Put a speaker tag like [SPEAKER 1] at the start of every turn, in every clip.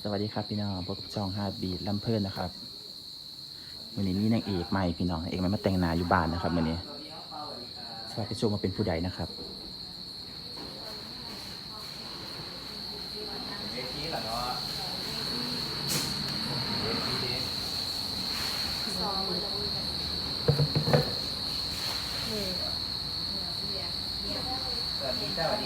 [SPEAKER 1] สวัสดีครับพี่น้องพบกับช่องฮาร์ดบีทลำเพลินนะครับวันนี้มีนางเอกใหม่พี่น้องเอกใหม่มาแต่งหน้าอยู่บ้านนะครับวันนี้สวัสดีชมมาเป็นผู้ใดนะครับ
[SPEAKER 2] เวทีเหรอเนาะเวทีดิสวัสดีครับ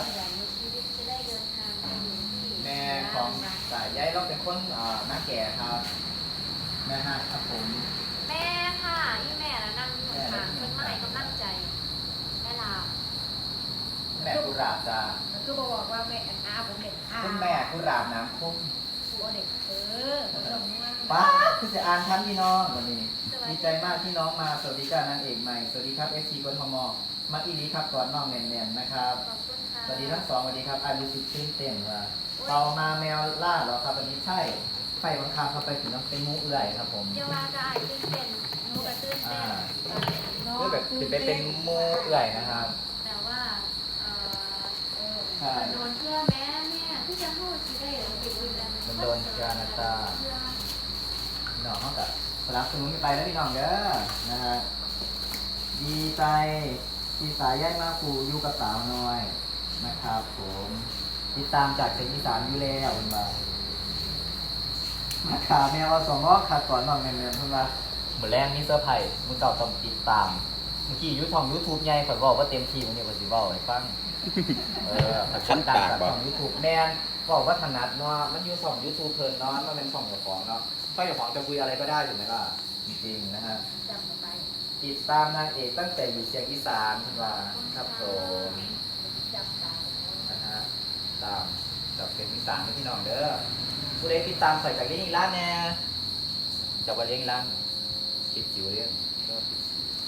[SPEAKER 2] แม่ของสายใยเราเป็นคนหน้าแก่ครับแม่ฮะครับผม
[SPEAKER 3] แม่ค่ะอีแม่แล้วนั่งอยู่ข้างๆเพิ่นมาให้กำลังใจแม่ลา
[SPEAKER 2] แม่กุหลาบจ้า
[SPEAKER 3] คือบอกว่าแม่อาผมเด็กอา
[SPEAKER 2] คุณแม่กุหลาบน้ำคุ้ม
[SPEAKER 3] หัวเด็กผมจำว่า
[SPEAKER 2] ป้าคือจะอ่านทันพี่น้องวันนี้ดีใจมากที่น้องมาสวัสดีจ้านางเอกใหม่สวัสดีครับ FC กทมมาอีนี้ครับก่อนน้องแน่นๆนะครับ
[SPEAKER 3] ขอบคุณค่ะ
[SPEAKER 2] สวัสดีทั้งสองสวัสดีครับรู้สึกตื่นเต้นว่าเรามาแมวล่าเหรอครับวันนี้ใช่ไฟบังคับเข้าไปถึงน้ำเป็นมุกเอื่อยครับผม
[SPEAKER 3] เยาวาก็อายตื่นเต้นหนูก็ตื่นเต้น
[SPEAKER 2] เพื่อแบบจะไปเป็นมุกเอื่อยนะครับ
[SPEAKER 3] แต่ว่า
[SPEAKER 2] ใช่
[SPEAKER 3] โดนเพื่อแม่ที่จะพูดสิได้หรือติดอื่นแล้ว
[SPEAKER 2] มันโดนกานาตาพี่น้องเขาแบบสลับสนุนกันไปแล้วพี่น้องเด้อนะฮะดีใจที่สายแยกมาครูอยู่กับสาวน้อยนะครับผมติดตามจากเสียงอีสานอยู่แล้วคุณบ่ามาขาแมวเอาสองรอบขาก่อนน้องเงินๆคุณบ่าเหมือนแรกมีเซอร์ไพรส์มึงเก่าต้องติดตามเมื่อกี้ยูทูบใหญ่ข่อยบอกว่าเต็มที่มันเนี่ยว่าสิเว้าให้ฟังขั้นตามของยูทูบแมนบอกว่าถนัดเนาะมันอยู่ช่องยูทูบเพลินเนาะมันเป็นช่องเจ้าของเนาะช่องเจ้าของจะคุยอะไรก็ได้ถูกไหมล่ะจริงๆนะฮะ
[SPEAKER 3] จำไป
[SPEAKER 2] ติดตามนางเอกตั้งแต่อยู่เสียงอีสานคุณว่าครับผม
[SPEAKER 3] จำตา
[SPEAKER 2] นะฮะตามจากเสียงอีสานนะพี่น้องเด้อผู้ใดติดตามใส่จากเลี้ยงอีร้านแน่จากว่าเลี้ยงอีร้านติดจิ๋วเลี้ยงก็ติด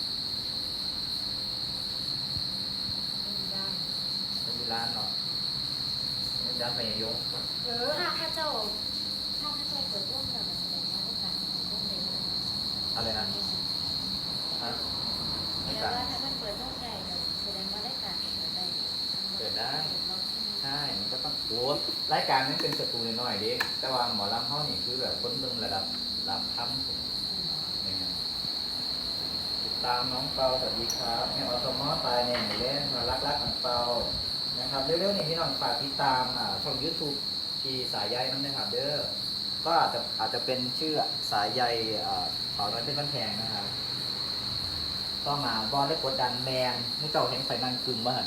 [SPEAKER 2] อีร้านเนาะมันยัดไปยง
[SPEAKER 3] ถ้าข้าเจ้าเปิดร่วมกับแสดงว่าโอกาสของร่วมเร็ว
[SPEAKER 2] อะไรนะฮะ
[SPEAKER 3] แต่ว่าถ้ามันเปิดร่วมใหญ่แสดงว่าได้การเปิดได้
[SPEAKER 2] ใช่มันก็ต้องโอ้รายการนี้เป็นสตูน้อยๆเด็กแต่ว่าหมอลำเขานี่คือแบบคนเบิ่งระดับค่ำผมนะครับติดตามน้องเปาสวัสดีครับแม่อสมอตายเนี่ยเล่นมารักของเปานะครับเร็วๆนี่พี่น้องฝากติดตามช่อง YouTube ที่สายใยนั่นนะครับเด้อก็อาจจะเป็นชื่อสายใยเป่าน้อยเพชรบ้านแพงนะครับก็มาบอลได้กดดันแมนมุ้งเจ้าเห็นไฟนั่งกึ่งบ้าน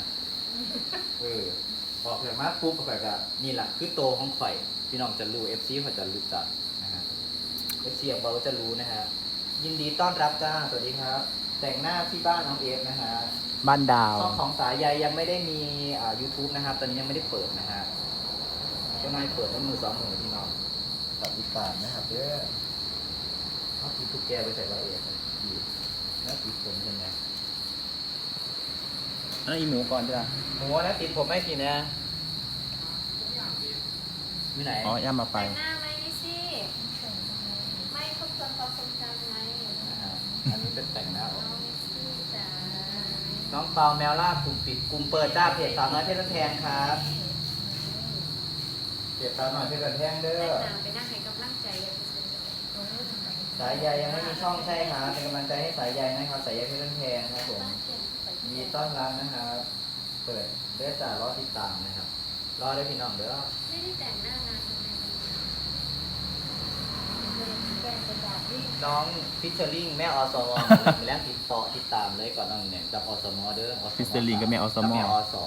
[SPEAKER 2] ออกจากมาปุ๊บข่อยก็นี่แหละคือโตของข่อยพี่น้องจะรู้ FC ข่อยจะรู้จักนะฮะ FC ของเราจะรู้นะฮะยินดีต้อนรับจ้าสวัสดีครับ แต่งหน้าที่บ้านน้องเอฟนะฮะ
[SPEAKER 1] บ้านดาว
[SPEAKER 2] ช่องของสายใยยังไม่ได้มีYouTube นะครับตอนนี้ยังไม่ได้เปิดนะฮะก็นายเปิดด้วยมือสองมือพี่น้องตัดติดตามนะครับเด้อเอาติดทุกแกไปใส่รายละเอียดดีแล้วติดผมใช่ไหม
[SPEAKER 1] อันนี้หมูก่อนจ้ะ
[SPEAKER 2] โหแล้วติดผมไม่ทีนะอยู่ไหน
[SPEAKER 1] อ๋อย่ามาไป
[SPEAKER 3] แต่งหน้าไหมนี่สิไม่ทบทวนความทรงจำไง
[SPEAKER 2] นะฮะอันนี้เป็นแต่งหน้าออก
[SPEAKER 3] น้องนิซี่จ๋า
[SPEAKER 2] น้องเปาแมวล่ากลุ่มปิดกลุ่มเปิดจ้าเพจสาวน้อยเพชรบ้านแพงครับเพจสาวน้อยเพชรบ้านแพงเด้
[SPEAKER 3] แต่
[SPEAKER 2] อ
[SPEAKER 3] งหน้าไปนั่งให้กำลังใจอย่าไปเซ็น
[SPEAKER 2] สายใยยังไม่มีช่องใช่ครับเป็นกำลังใจให้สายใยนะครับสายใยเพชรบ้านแพงครับผมยินดีต้อนรับนะครับเปิดเด้อจ้ารอติดตามนะครับรอได้พี่น้องเด้อ
[SPEAKER 3] ไม่ได้แต่งหน้านานทำไมแกงเป็นแบบนี้
[SPEAKER 2] น้องฟิชเชอร์ลิงแม่อสมมีแรงติดตามเลยก่อนน้องเนี่ยกับอสมเด้อ
[SPEAKER 1] ฟิสเตอร์ลิงกับแม่อสม
[SPEAKER 2] แม่อส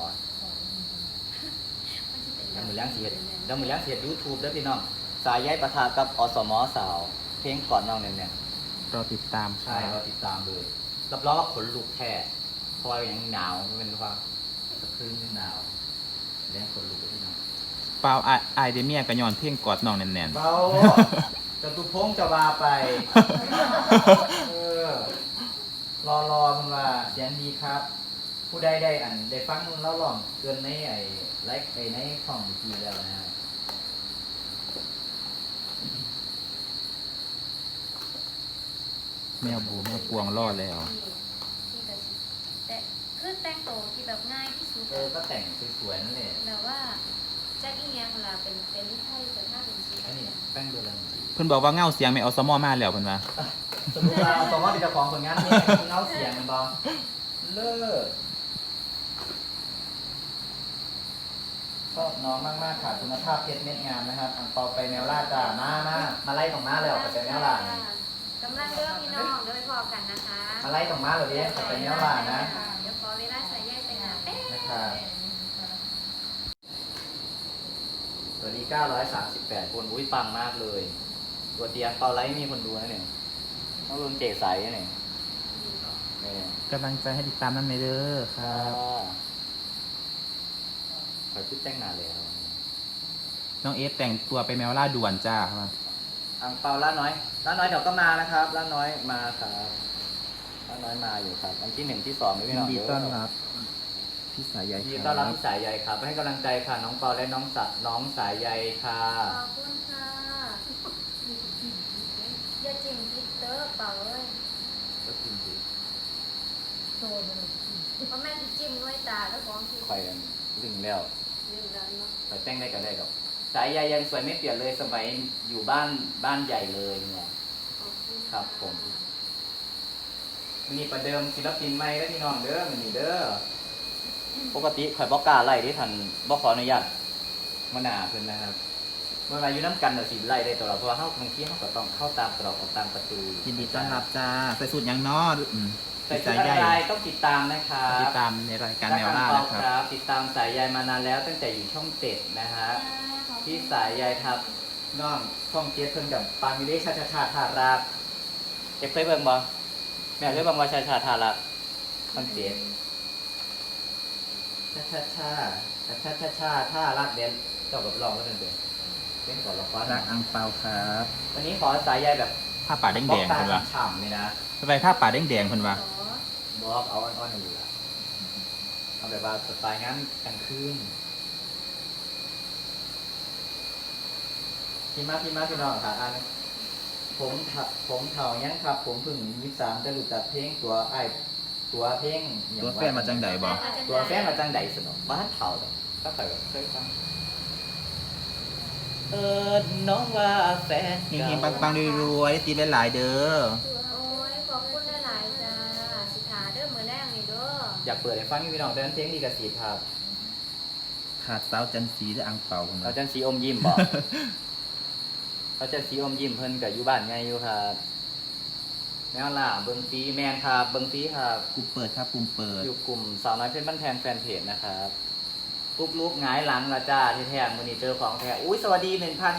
[SPEAKER 2] แล้วมือแรงเสียดแล้วมือแรงเสียดยูทูบด้วยพี่น้องสายใยประทากับอสมสาวเพลงก่อนน้องเนี่ย
[SPEAKER 1] รอติดตามค
[SPEAKER 2] ใช่
[SPEAKER 1] รับ
[SPEAKER 2] เราติดตามเลยรับรองว่าขนลุกแท้เพราะว่ายังหนาวมันเป็นความสะพรึงหนาวเลี้ยงขนลุกพี่น้อง
[SPEAKER 1] เปล่าไอเดเมียกระยอนเพ่งกอดน้องแน่น
[SPEAKER 2] เบาจตุพงษ์จะบาไปเออรอมันว่าเสียงดีครับ ผู้ใดได้ได้ฟังเล่าหล่องเกินในไลฟ์ในช่องทีแล้วนะฮะ
[SPEAKER 1] แมวบูแมวปวงรอดแล้ว
[SPEAKER 3] แต่คือแต่งตัวที่แบบง่ายที่สุด
[SPEAKER 2] ก็แต่งสวยๆนั่นแหละ
[SPEAKER 3] แบบว่าแจ็คอีเงียงเวลาเป็นไทยแต่ถ้าเป็นสี
[SPEAKER 2] อันนี้แป้งดูแล
[SPEAKER 1] เพิ่นบอกว่าเงาเสียงไม่เอาสมอมาแล้วเพิ่นว่า
[SPEAKER 2] สมมติว่าเอาตัวว่าเป็นเจ้าของผลงานนี่เงาเสียงมันบอเลิศชอบน้องมากๆค่ะคุณภาพเพชรเม็ดงามนะครับอังเปาไปแนวล่าจ้ามาไล่ตรงมาแล้วไปแนวล่าก
[SPEAKER 3] ำลังเลือกพี่น้องเดี๋ยวไปพอกันนะคะ
[SPEAKER 2] มาไล่ตรงมาเลยดิไปแนวล่านะ
[SPEAKER 3] เดี๋ยวขอเวลาใส่แยกไปหาแป๊บ
[SPEAKER 2] นะครับตัวนี้938 คนอุ้ยปังมากเลย ตัวเตียงเปาไลท์มีคนดูนะเนี่ยต้องรุนเจใสนะเนี่ยนี่
[SPEAKER 1] กำลังใจให้ติดตามนั่นเด้อค
[SPEAKER 2] ค
[SPEAKER 1] รั
[SPEAKER 2] รับบ ขอชุดแต่งงานเลยครับ
[SPEAKER 1] น้องเอสแต่งตัวไปแมวล่าด่วนจ้าครับ
[SPEAKER 2] อังเปาล่าน้อยเดี๋ยวก็มานะครับล่าน้อยมาครับล่าน้อยมาอยู่ครับวันที่1ที่2ไม่พี่
[SPEAKER 1] ยิ
[SPEAKER 2] น้
[SPEAKER 1] น
[SPEAKER 2] อง
[SPEAKER 1] ดีต้อนรับพี่สายใย
[SPEAKER 2] ยินดี
[SPEAKER 1] ค
[SPEAKER 2] ต้อนรับ
[SPEAKER 1] รับ
[SPEAKER 2] พี่สายใยครับให้กำลังใจค่ะน้องเปาและน้องสายใยค่ะ
[SPEAKER 3] ขอบคุณค่ะอย่าจิ้มพิตเตอร์เปล่าเลย
[SPEAKER 2] ก็จริงสิ
[SPEAKER 3] เพราะแม่ที่จิ้มด้วยตาแล้วของที่
[SPEAKER 2] คอยกันลึงแล้ว
[SPEAKER 3] เรื่องนั้นเนาะ
[SPEAKER 2] คอยแต่งได้กันได้ดอกสายใยยังสวยไม่เปลี่ยนเลยสมัยอยู่บ้านใหญ่เลยเนี่ย
[SPEAKER 3] ขอบคุณ
[SPEAKER 2] ครับผม มีประเดิมศิลปินใหม่แล้วพี่น้องเด้อมันนี่เด้อปกติข่อยบอกกล้าไล่ที่ทันบอกขออนุญาตมาหนาเพิ่นนะครับเมื่อมาอยู่น้ำกันเดี๋ยวสิไล่ได้ตลอดเพราะว่าบางทีเขาก็ต้องเข้าตามตรอกออกตามประตู
[SPEAKER 1] ยินดีต้อนรับจ้าใส่สูตรยังนอ
[SPEAKER 2] ใส่
[SPEAKER 1] พี่
[SPEAKER 2] ชุ
[SPEAKER 1] สา
[SPEAKER 2] ด
[SPEAKER 1] ยใย
[SPEAKER 2] อะไรต้องติดตามนะครับ
[SPEAKER 1] ติดตามในรายการแมวล่า
[SPEAKER 2] รัก
[SPEAKER 1] นะ
[SPEAKER 2] อัง
[SPEAKER 1] ค
[SPEAKER 2] เปา
[SPEAKER 1] รับ
[SPEAKER 2] ติดตามสายใยมานานแล้วตั้งแต่อยู่ช่อง7นะฮะที่สายใยทับน้องช่อง7เพิ่นกับปามิเลชาชาชาทารักเก็บเคยเบิ่งบ่แม่เคยเบิ่งว่าชาชาทารักช่อง7ชาชาชาชาชาชาท่ารักเด่นเจ้ากับลองก็เป็นเล่นก่อนละคร
[SPEAKER 1] รักอังเปาครับ
[SPEAKER 2] วันนี้ขอสายใยแบบ
[SPEAKER 1] ผ้าป่าแดง
[SPEAKER 2] บ
[SPEAKER 1] แด
[SPEAKER 2] ล็อก
[SPEAKER 1] ง
[SPEAKER 2] ตา
[SPEAKER 1] เพิ่นว่า
[SPEAKER 2] ฉ่ำๆเลยนะ
[SPEAKER 1] ทำไมผ้าป่าแดงแดงเพิ่นว่า
[SPEAKER 2] บล็อกเอาอ่อนๆอยู่ละเอาแบบว่าสไตล์งานกลางคืนพี่มาพี่น้องค่ะอันผมเฒ่ายังครับ ผมเพิ่ง23จะรู้จักเพลงตัวเพลงหยัง
[SPEAKER 1] ตัวแฟนมาจังใดบ่
[SPEAKER 2] ตัวแฟนมาจังใดสนอบ้านเฒ่าดอกก็เคยแบบเคยฟังน้องว่าแฟน
[SPEAKER 1] เฮงๆปังๆรวยๆได้ตีหลายๆเด้อ
[SPEAKER 3] โอ้ยขอบคุณหลายๆจ้าสิขาเด้อมือแรกนี่เด้อ
[SPEAKER 2] อยากเปิดให้ฟังพี่น้องแต่นั้นเพลงดีกับสีครับ
[SPEAKER 1] ขาดสาวจันทร์สีและอังเปาเพิ่น
[SPEAKER 2] เรา
[SPEAKER 1] ว่า
[SPEAKER 2] จันสีอมยิ้มบอก เราจะสีอมยิ้มเพิ่นกับอยู่บ้านไงอยู่ครับแมวล่าเบิงฟีแมนครับเบิงฟีครับ
[SPEAKER 1] กลุ่มเปิดครับกลุ่มเปิด
[SPEAKER 2] อยู่กลุ่มสาวน้อยเพชรบ้านแพงแฟนเพจนะครับปุ๊บลุกหงายหลังละจ้าที่แท้มือนี้เจอของแท้อุ้ยสวัสดี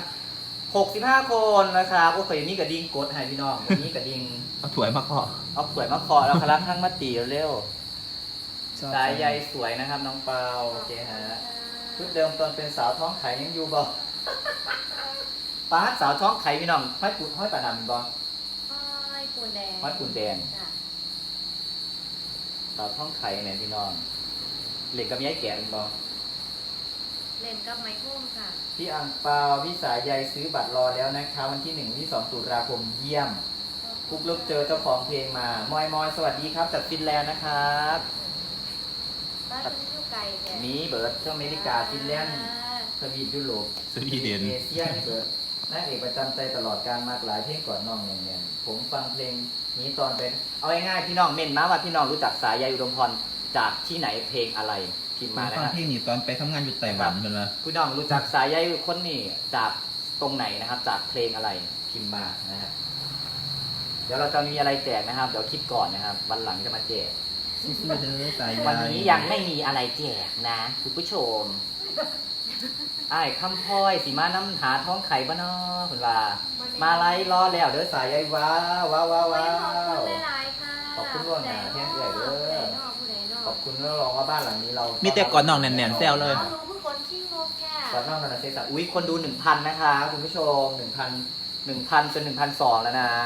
[SPEAKER 2] 1,065 คนนะครับโอ้ยมีกระดิ่งกดให้พี่น้องวันนี้กระดิ่ง
[SPEAKER 1] เอาถั่วยมาเคาะ
[SPEAKER 2] เอาถ้วยมาเคาะแล้วคลักข้างมาตีเร็ว
[SPEAKER 1] ชอบ
[SPEAKER 2] สายใยสวยนะครับน้องเปาโอเคฮะชุดเดิมตอนเป็นสาวท้องไข่ยังอยู่บ่ ป้าดสาวท้องไข่พี่น้องห้อยปลาดำบ่
[SPEAKER 3] ห้อยปูนแดง
[SPEAKER 2] ห้อยปูนแดง
[SPEAKER 3] จ้ะ
[SPEAKER 2] สาวท้องไข่เนี่ยพี่น้องเหล็กกับย้ายแก่เป็นบ่
[SPEAKER 3] เล่นกับไมโครค่ะ
[SPEAKER 2] พี่อังเปาพี่สายใยซื้อบัตรรอแล้วนะคะวันที่1ที่2ตุลาคมเยี่ยมคุกลุกเจอเจ้าของเพลงมามอยสวัสดีครับจากฟินแลนด์นะครับ
[SPEAKER 3] บ้านเป็นอยู่ไกลแต่
[SPEAKER 2] มีเบิร์ดที่อเมริกาฟินแลนด์ทวีปยุโรป
[SPEAKER 1] สวีเดน
[SPEAKER 2] เอเชียนี่เบิร์ดนางเอกประจำใจตลอดการมากหลายเพลงก่อนน้องเนี่ยผมฟังเพลงนี้ตอนเป็นเอาง่ายๆพี่น้องเม่นมาว่าพี่น้องรู้จักสายใยอุดมพรจากที่ไหนเพลงอะไรพิมพ์
[SPEAKER 1] มา
[SPEAKER 2] มานะ
[SPEAKER 1] ฟัง
[SPEAKER 2] ครับ
[SPEAKER 1] เพลงนี้ตอนไปทำงานอยู่ไต้หวันเพิ่นว่า
[SPEAKER 2] พี่น้องรู้จักสายใยคนนี้จากตรงไหนนะครับ จากเพลงอะไรพิมพ์มานะฮะเดี๋ยวเราจะมีอะไรแจกนะครับเดี๋ยวคิดก่อนนะครับ วันหลังจะมาแจก
[SPEAKER 1] สู้ๆเด้อสายใย
[SPEAKER 2] วันนี้ยังไม่มีอะไรแจกนะคุณผู้ชมอ้ายคำพลอยสีมาน้ำหาท้องไข่บ้านนอคุณว่า มาไล่รอแล้วเด้อสายใยว้าวว้าวว้าว
[SPEAKER 3] โอ้
[SPEAKER 2] ว้าย
[SPEAKER 3] ขอบคุณ
[SPEAKER 2] ว
[SPEAKER 3] หลายๆค่ะ
[SPEAKER 2] ขอบคุณล่วงหน้าแทนเอื้อยเด้อ
[SPEAKER 3] ผู้ใดเนาะผู้ใดเนาะ
[SPEAKER 2] ขอบคุณแล้วรองว่าบ้านหลังนี้เรา
[SPEAKER 1] มี
[SPEAKER 2] มี
[SPEAKER 1] แต่ก่อนน้องแน่นๆแซวเลย
[SPEAKER 3] เอาหนูคือคนขี้งกแค่
[SPEAKER 2] ก่อนน้องกันนะเซซ่าอุ้ยคนดู 1,000 นะคะคุณผู้ชม 1,000จน1,200แล้วนะ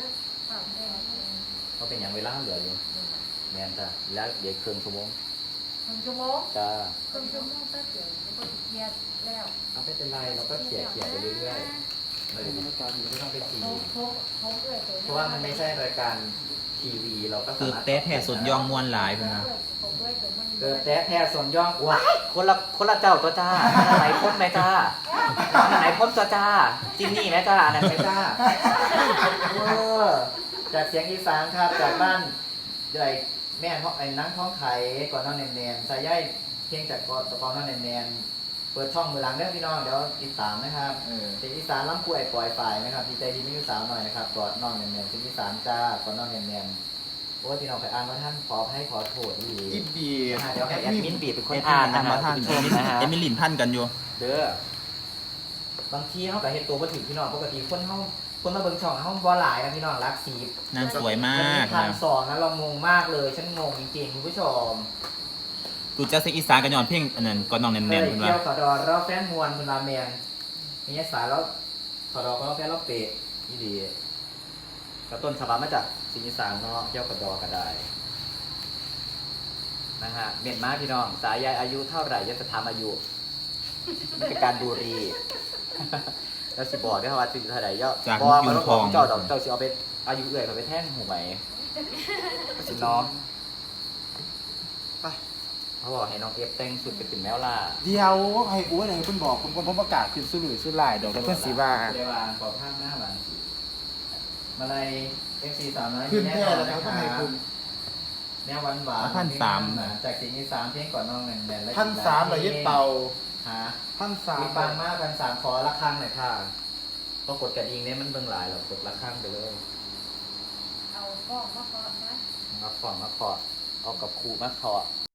[SPEAKER 2] เขาเป็นอย่างเวลาเหลืออยู่แมนจ้ะแล้วเดี๋ยวเครื่องชั่วโมง
[SPEAKER 3] 1 ชั่วโมง
[SPEAKER 2] จ้า
[SPEAKER 3] ครึ่งชั่วโมงแป๊บเดียวก็เครียดแล้ว
[SPEAKER 2] เอาไม่เป็นไรเราก็เขี่ยไปเรื่อยๆเราไม่ต้องไปที
[SPEAKER 3] เขาเอื้อยตัว
[SPEAKER 2] เพราะว่ามันไม่ใช่รายการทีวีเราก็
[SPEAKER 1] คือเต้แผ่สุดยองมวนหลายเพิ่นว่า
[SPEAKER 3] ผมด้วยตัวมัน
[SPEAKER 2] เกิดแท้ส่วนย่องว้ายคนละเจ้าตัวจ้าอันไหนพ้นไหมจ้าอันไหนพ้นตัวจ้าจินนี่ไหมจ้าอันนั้นไหมจ้าจากเสียงอีสานครับจากบ้านใหญ่แม่ไอ้นังท้องไข่ก่อนนอนแนนๆสายใยเพียงจากก่อนนอนแนนๆเปิดช่องมือหลังเด้อพี่น้องเดี๋ยวติดตามนะครับเสียงอีสานล้ำคุยปล่อยฝ่ายนะครับดีใจดีไม่ยุ่สาวหน่อยนะครับก่อนนอนแนนๆเสียงอีสานจ้าก่อนนอนแนนๆโอ้ยพี่น้องไปอ่านว่าท่านขอให้ขอโทษดี
[SPEAKER 4] อีบี
[SPEAKER 2] เดี๋ยวให้แอดมินบีเป็นคนอ่านนะฮะ
[SPEAKER 1] ท่าน
[SPEAKER 2] คุณผู้ชมนะฮะ
[SPEAKER 1] เอมิลินพันกันอยู่
[SPEAKER 2] เด้อบางทีเขากับเห็นตัวมาถึงพี่น้องปกติคนมาเบิ่งช่องเขาบ่หลายนะพี่น้องรักสี
[SPEAKER 1] นางสวยมาก
[SPEAKER 2] พัน
[SPEAKER 1] นะ
[SPEAKER 2] สองนะเรางงมากเลยฉันงงจริงๆคุณผู้ชม
[SPEAKER 1] กูจะเซ็กอีสานกันย้อนเพียงอันนั้นก่อนน้องแน
[SPEAKER 2] เคน ย
[SPEAKER 1] ๆคุณ
[SPEAKER 2] เที่
[SPEAKER 1] ว่า
[SPEAKER 2] ยวขอดอเราแฟนมวลคุณราเมนมีสายแล้วขอดอก็แฟนเราเปะยี่ดีกระต้นฉบับมาจากสิงห์อีสานเนาะเที่ยวขอดอก็ได้นะฮะเมียนมาพี่น้องสายยายอายุเท่าไหร่ยศธรรมอายุมันเป็นการบูรี แล้วสิบอกได้ว่าสิเท่าไหร่ย่อ
[SPEAKER 1] จาก
[SPEAKER 2] บอก
[SPEAKER 1] ยุ
[SPEAKER 2] มัน
[SPEAKER 1] น
[SPEAKER 2] ต้อง
[SPEAKER 1] ท
[SPEAKER 2] บอ
[SPEAKER 1] อก ง
[SPEAKER 2] เจ้าดอกเจ้าสิเอาไปอายุเอื่อยเขาไปแท่งหูไหมก็สิน้องไปเขาบอกให้น้องเอฟแต่งสุดไปเป็นแมวล่า
[SPEAKER 4] เดียวให้อ้วนให้คุณบอกคุณผมประกาศขึ้นสุรุ่ยสุร่ายดอกแต่เพื่อนสีว่า
[SPEAKER 2] เดวางขอภาพหน้าหลังมาเลย FC 300
[SPEAKER 4] ขึ้นแค่แล้วนะครับทำไมคุณ
[SPEAKER 2] แนวหวานหวาน
[SPEAKER 1] 1,300
[SPEAKER 2] จากสิ่งที่สามเพลงก่อนน้องแน่นๆและ
[SPEAKER 4] 1,300เลยยึดเป่า
[SPEAKER 2] หา
[SPEAKER 4] 1,300
[SPEAKER 2] มีปังมาก1,300ขอละครั้งหน่อยค่ะพอกดกระดิ่งเนี่ยมันเบิ่งหลายหรอกกดละครั้งไปเลย
[SPEAKER 3] เอากล้องมาก่อนนะ
[SPEAKER 2] มาขอเอากับครูมาขอ